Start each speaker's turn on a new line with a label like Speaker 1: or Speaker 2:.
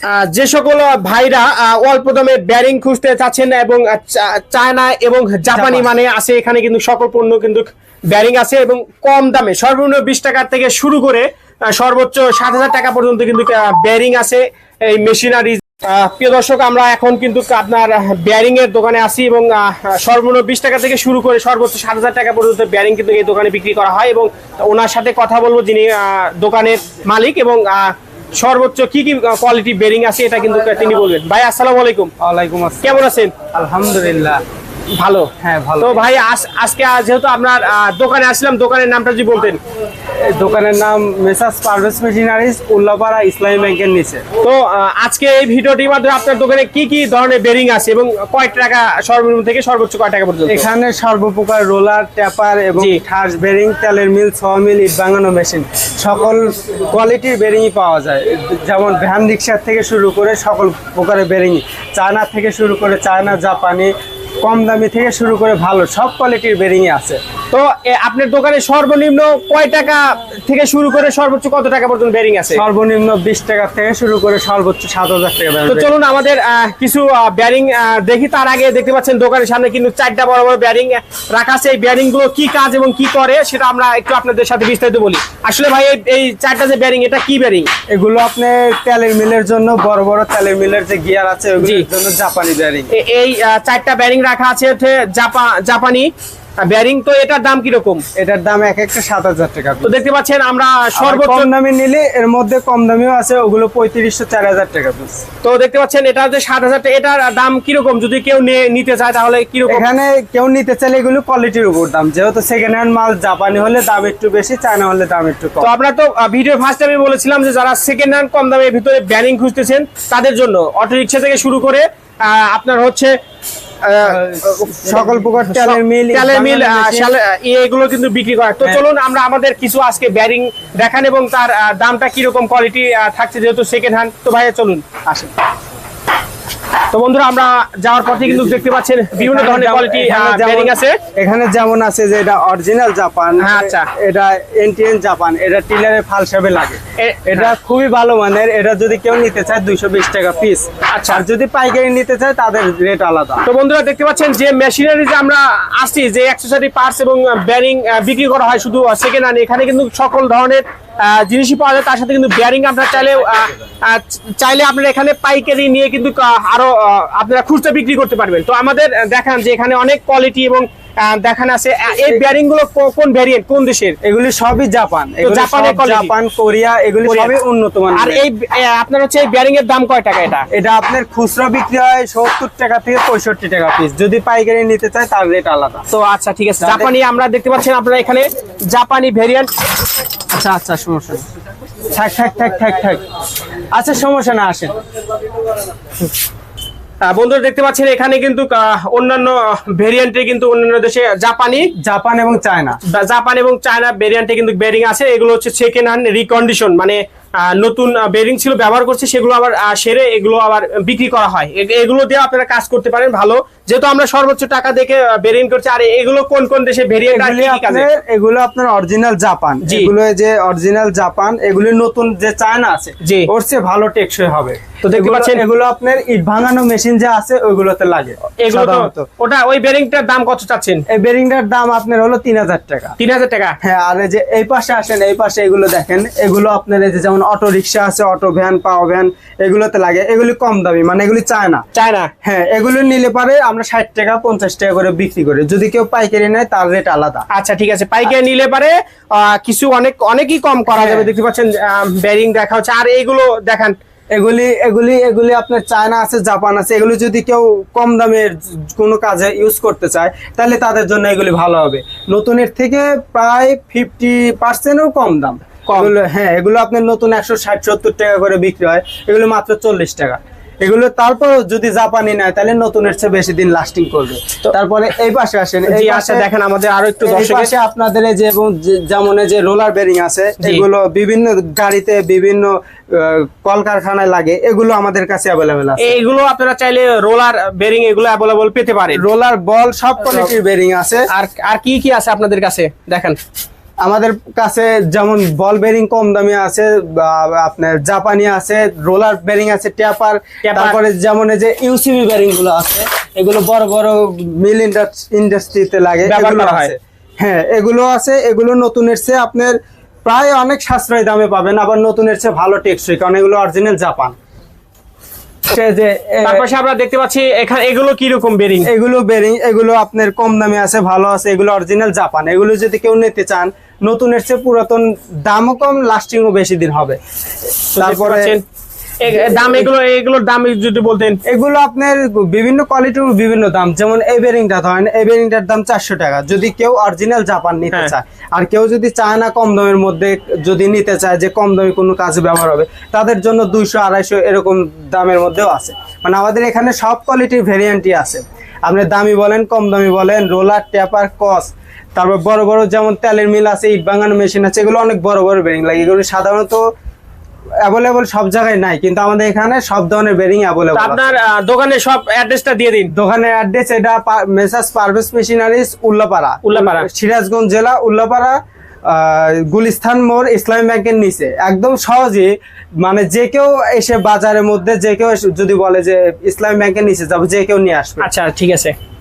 Speaker 1: যে সকল ভাইরা অল্প দামে ব্যারিং খুঁজতে চাচ্ছেন এবং চায়না এবং জাপানি মানে আছে, এখানে কিন্তু সকল পণ্য কিন্তু ব্যারিং আছে এবং কম দামে সর্বনিম্ন 20 টাকা থেকে শুরু করে সর্বোচ্চ 7000 টাকা পর্যন্ত কিন্তু ব্যারিং আছে এই মেশিনারি। প্রিয় দর্শক, আমরা এখন কিন্তু আপনার ব্যারিং এর দোকানে আছি এবং সর্বনিম্ন 20 টাকা থেকে শুরু করে সর্বোচ্চ 7000 টাকা পর্যন্ত ব্যারিং কিন্তু এই দোকানে বিক্রি করা হয় এবং ওনার সাথে কথা বলবো যিনি দোকানের মালিক এবং সর্বোচ্চ কি কি কোয়ালিটি বেরিং আছে এটা কিন্তু তিনি বলবেন। ভাই আসসালামু আলাইকুম।
Speaker 2: ওয়ালাইকুম আসসালাম।
Speaker 1: কেমন আছেন?
Speaker 2: আলহামদুলিল্লাহ
Speaker 1: ভালো।
Speaker 2: হ্যাঁ ভালো।
Speaker 1: তো ভাই আজকে যেহেতু আপনার দোকানে আসলাম, দোকানের নামটা যদি বলতেন।
Speaker 2: দোকানের নাম মেসার্স পারভেজ মেশিনারিজ, উল্লাপাড়া ইসলামী ব্যাংকের নিচে।
Speaker 1: তো আজকে এই ভিডিওটির মাধ্যমে আপনার দোকানে কি কি ধরনের বেরিং আছে এবং কয় টাকা সর্বনিম্ন থেকে সর্বোচ্চ কয় টাকা পর্যন্ত?
Speaker 2: এখানে সর্বপ্রকার রোলার, ট্যাপার এবং ঠাস বেরিং, তেলের মিল, মিল, ইট ভাঙানো মেশিন, সকল কোয়ালিটির বেরিংই পাওয়া যায়। যেমন ভ্যান রিক্সার থেকে শুরু করে সকল প্রকারের বেরিংই, চায়না থেকে শুরু করে চায়না, জাপানি, কম দামি থেকে শুরু করে ভালো সব কোয়ালিটির বেরিংই আছে।
Speaker 1: তো আপনার দোকানে সর্বনিম্ন কয় টাকা থেকে শুরু করে সর্বোচ্চ কত টাকা পর্যন্ত বেরিং আছে?
Speaker 2: সর্বনিম্ন 20 টাকা থেকে শুরু করে সর্বোচ্চ 7000 টাকা।
Speaker 1: তো চলুন আমাদের কিছু ব্যারিং দেখি। তার আগে দেখতে পাচ্ছেন দোকানের সামনে কিন্তু 4টা বড় বড় ব্যারিং রাখা আছে। এই ব্যারিং গুলো কি কাজ এবং কি করে সেটা আমরা একটু আপনাদের সাথে বিস্তারিত বলি। আসলে ভাই এই 4টা যে ব্যারিং, এটা কি ব্যারিং?
Speaker 2: এগুলো আপনি তেলের মিলের জন্য, বড় বড় তেলের মিলের যে গিয়ার আছে ওগুলোর জন্য জাপানি ব্যারিং।
Speaker 1: এই 4টা ব্যারিং রাখা আছে জাপানি ব্যারিং। তো এটার দাম কিরকম?
Speaker 2: এটার দাম এক একটা 7000 টাকা।
Speaker 1: তো দেখতে পাচ্ছেন আমরা সর্বোচ্চ
Speaker 2: কম দামি নিলে এর মধ্যে কম দামিও আছে, ওগুলো 3500 4000 টাকা পিস।
Speaker 1: তো দেখতে পাচ্ছেন এটা যে 7000 টাকা, এটার দাম কিরকম যদি কেউ নিতে চায় তাহলে কিরকম?
Speaker 2: এখানে কেউ নিতে চাইলে এগুলো কোয়ালিটির উপর দাম, যেহেতু সেকেন্ড হ্যান্ড মাল, জাপানি হলে দাম একটু বেশি, চায়না হলে দাম একটু কম।
Speaker 1: তো আমরা তো ভিডিও ফার্স্ট টাইমে বলেছিলাম যে যারা সেকেন্ড হ্যান্ড কম দামের ভিতরে ব্যারিং খুঁজতেছেন তাদের জন্য অটো রিক্সা থেকে শুরু করে আপনার হচ্ছে
Speaker 2: সকল প্রকার তেলের মিল
Speaker 1: এগুলো কিন্তু বিক্রি করে। তো চলুন আমরা আমাদের কিছু আজকে ব্যারিং দেখান এবং তার দামটা কিরকম কোয়ালিটি থাকছে, যেহেতু সেকেন্ড হ্যান্ড। তো ভাইয়া চলুন আসেন। তো বন্ধুরা, আমরা যাওয়ার পথে কিন্তু দেখতে পাচ্ছেন বিভিন্ন ধরনের কোয়ালিটি ব্যারিং আছে।
Speaker 2: এখানে যেমন আছে যে এটা অরিজিনাল জাপান,
Speaker 1: আচ্ছা,
Speaker 2: এটা এনটিএন জাপান, এটা টিলারে ফাল হিসেবে লাগে, এটা খুবই ভালো মানের। এটা যদি কেউ নিতে চায় 220 টাকা পিস।
Speaker 1: আচ্ছা,
Speaker 2: আর যদি পাইকারি নিতে চায় তাদের রেট আলাদা।
Speaker 1: তো বন্ধুরা দেখতে পাচ্ছেন যে মেশিনারি যে আমরা আসছি, যে অ্যাকসেসরি পার্টস এবং ব্যারিং বিক্রি করা হয় শুধু সেকেন্ড হ্যান্ড, এখানে কিন্তু সকল ধরনের জিনিসই পাওয়া যায়। তার সাথে কিন্তু ব্যারিং আপনারা চাইলে আপনারা এখানে পাইকারি নিয়ে কিন্তু আরো আপনারা খুচরা বিক্রি করতে পারবেন। তো আমাদের দেখান যে এখানে অনেক কোয়ালিটি এবং দেখান আছে। এই ব্যারিং গুলো কোন ভ্যারিয়েন্ট, কোন দেশের?
Speaker 2: এগুলি সবই জাপান, জাপান, কোরিয়া, এগুলি সবই উন্নত মানের।
Speaker 1: আর এই আপনার হচ্ছে এই ব্যারিং এর দাম কয় টাকা?
Speaker 2: এটা আপনার খুচরা বিক্রি হয় 70 টাকা থেকে 65 টাকা পিস, যদি পাইকারি নিতে চায় তার রেট আলাদা।
Speaker 1: তো আচ্ছা, ঠিক আছে। জাপানি আমরা দেখতে পাচ্ছেন আপনারা এখানে জাপানি ভ্যারিয়েন্ট। আচ্ছা আচ্ছা, সমস্যা
Speaker 2: থাক। আচ্ছা, সমস্যা না, আসেন।
Speaker 1: বন্ধুরা দেখতে পাচ্ছেন এখানে কিন্তু অন্যান্য ভেরিয়েন্টে কিন্তু অন্যান্য দেশে জাপান এবং চায়না ভেরিয়েন্টে কিন্তু বেরিং আছে। এগুলো হচ্ছে সেকেন্ড হ্যান্ড রিকন্ডিশন, মানে নতুন বেরিং ছিল ব্যবহার করছে, সেগুলো আবার সেরে এগুলো আবার বিক্রি করা হয়। এগুলো দিয়ে আপনারা কাজ করতে পারেন ভালো, যেহেতু আমরা সর্বোচ্চ টাকা দেখে বেরিং করছি। আর এগুলো কোন কোন দেশে ভেরিয়েন্ট?
Speaker 2: এগুলো আপনার অরিজিনাল জাপান, এগুলো যে অরিজিনাল জাপান, এগুলো নতুন যে চায়না আছে ওর চেয়ে ভালো টেকসই হবে।
Speaker 1: তো দেখতে পাচ্ছেন
Speaker 2: এগুলো আপনার ইট ভাঙানো মেশিন যে আছে ওইগুলোতে লাগে।
Speaker 1: ওটা ওই বেরিংটার দাম কত চাচ্ছেন?
Speaker 2: এই বেরিংটার দাম আপনার হলো 3000 টাকা।
Speaker 1: 3000 টাকা?
Speaker 2: হ্যাঁ। আর যে এই পাশে আসেন, এই পাশে এগুলো দেখেন, এগুলো আপনার এই যে যেমন অটো রিক্সা আছে, অটো ভ্যান, পাওয়ার ভ্যান, এগুলোতে লাগে। এগুলি কম দামি, মানে এগুলি চায়না। হ্যাঁ, এগুলো নিলে পারে আমরা 60 টাকা 50 টাকা করে বিক্রি করি। যদি কেউ পাইকারি নেয় তার রেট আলাদা।
Speaker 1: আচ্ছা, ঠিক আছে। পাইকারি নিলে পারে কিছু অনেকই কম করা যাবে। দেখতে পাচ্ছেন বেরিং দেখা হচ্ছে। আর এইগুলো দেখান,
Speaker 2: এগুলি আপনার চায়না আছে, জাপান আছে। এগুলো যদি কেউ কম দামের কোনো কাজে ইউজ করতে চায় তাহলে তাদের জন্য এগুলি ভালো হবে। নতুনের থেকে প্রায় 50%ও কম দাম। হ্যাঁ, এগুলো আপনার নতুন 160-70 টাকা করে বিক্রি হয়, এগুলো মাত্র 40 টাকা। এগুলো তারপর যদি জাপানি নেয় তাহলে নতুনের চেয়ে বেশি দিন লাস্টিং করবে। তারপরে এই পাশে আসেন, এই পাশে দেখেন আমাদের আরো একটু পাশে আপনাদের যে যেমন যে রোলার বেরিং আছে, এগুলো বিভিন্ন গাড়িতে বিভিন্ন কলকারখানায় লাগে, এগুলো আমাদের কাছে অ্যাভেলেবেল আছে।
Speaker 1: এগুলো আপনারা চাইলে রোলার বেরিং এগুলো অ্যাভেলেবল পেতে পারেন।
Speaker 2: রোলার বল সব কোয়ালিটির বেরিং আছে।
Speaker 1: আর কি কি আছে আপনাদের কাছে দেখেন।
Speaker 2: আমাদের কাছে যেমন বল বেরিং কম দামে আছে, বা আপনার জাপানি আছে, রোলার বেরিং আছে, ট্যাপার, তারপরে যেমন এই যে ইউসিবি বেরিং গুলো আছে, এগুলো বড় বড় মিল ইন্ডাস্ট্রিতে লাগে,
Speaker 1: ব্যবহার
Speaker 2: এগুলো
Speaker 1: করা হয়।
Speaker 2: আছে। হ্যাঁ, এগুলো আছে। এগুলো নতুনের চেয়ে আপনার প্রায় অনেক সাশ্রয়ী দামে পাবেন, আবার নতুনের চেয়ে ভালো টেকসই, কারণ এগুলো অরিজিনাল জাপান। যে
Speaker 1: তার পাশে আমরা দেখতে পাচ্ছি এখানে এগুলো কি রকম বেরিং?
Speaker 2: এগুলো বেরিং, এগুলো আপনার কম দামে আছে, ভালো আছে, এগুলো অরিজিনাল জাপান। এগুলো যদি কেউ নিতে চান, নতুনের চেয়ে পুরাতন, দামও কম, লাস্টিংও বেশি দিন হবে। তারপরে
Speaker 1: দাম, এগুলোর দাম যদি বলতেন।
Speaker 2: এগুলো আপনার বিভিন্ন কোয়ালিটির বিভিন্ন দাম। যেমন এই বেরিংটা ধরেন, এই বেরিংটার দাম 400 টাকা যদি কেউ অরিজিনাল জাপান নিতে
Speaker 1: হ্যাঁ।
Speaker 2: চায়। আর কেউ যদি চায় না কম দামের মধ্যে যদি নিতে চায়, যে কম দামে কোনো কাজে ব্যবহার হবে, তাদের জন্য 200 250 এরকম দামের মধ্যেও আছে। মানে আমাদের এখানে সব কোয়ালিটির ভেরিয়েন্টই আছে। আপনি দামি বলেন, কম দামি বলেন, রোলার, ট্যাপার, কস, তারপর বড় বড় যেমন তেলের মিল আছে, ইট ভাঙানো মেশিন আছে, এগুলো অনেক বড় বড় বেরিং লাগে। এগুলো সাধারণত অ্যাভেলেবল সব জায়গায় নাই, কিন্তু আমাদের এখানে সব ধরনের বেরিং অ্যাভেলেবল।
Speaker 1: আপনার দোকানে সব অ্যাড্রেসটা দিয়ে দিন।
Speaker 2: দোকানের অ্যাড্রেস এটা মেসার্স পারভেজ মেশিনারিজ, উল্লাপাড়া,
Speaker 1: উল্লাপাড়া।
Speaker 2: সিরাজগঞ্জ জেলা, উল্লাপাড়া, গুলিস্তান মোড়, ইসলামী ব্যাংকের নিচে। একদম সহজে, মানে যে কেউ এসে বাজারের মধ্যে, যে কেউ যদি বলে যে ইসলামী ব্যাংকের নিচে যাবো, যে কেউ নিয়ে আসবে।
Speaker 1: আচ্ছা, ঠিক আছে।